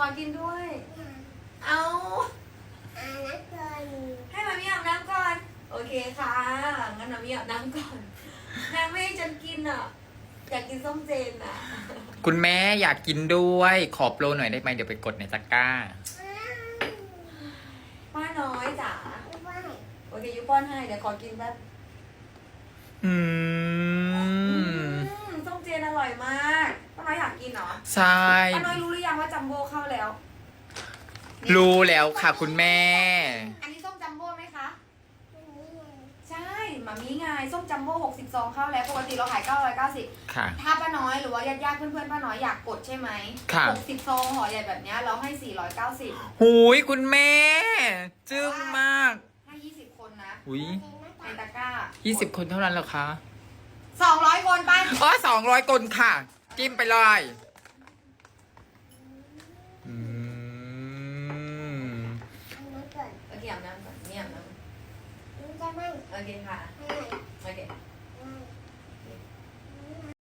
อกินด้วย เอาให้มามีอาบน้ำก่อนโอเคค่ะงั้นมามีอาบน้ำก่อนนางไม่ให้ฉันกินอ่ะอยากกินส้มเจนอ่ะคุณแม่อยากกินด้วยขอโปรหน่อยได้ไหมเดี๋ยวไปกดในตะกร้าป้าน้อยจ๋าโอเคยูป้อนให้เดี๋ยวขอกินแป๊บ ส้มเจนอร่อยมากป้าน้อยอยากกินเหรอใช่ป้าน้อยรู้หรือยังว่าจัมโบ้เข้าแล้วรู้แล้วค่ะคุณแม่อันนี้ส้มจัมโบ้ไหมคะใช่หมามีไงส้มจัมโบ้60 ซองเข้าแล้วปกติเราขาย990 ค่ะถ้าป้าน้อยหรือว่าญาติๆเพื่อนๆป้าน้อยอยากกดใช่ไหมค่ะ 60 ซองห่อใหญ่แบบนี้เราให้490 หูยคุณแม่ จึ้งมากให้20 คนนะหุยในตะกร้า 20 คนเท่านั้นเหรอคะ 200 คนไปอ๋อ200 คนค่ะ จิ้มไปเลยอืมโอเคอาบน้ำก่อนนี่อาบน้ำโอเคค่ะโอเค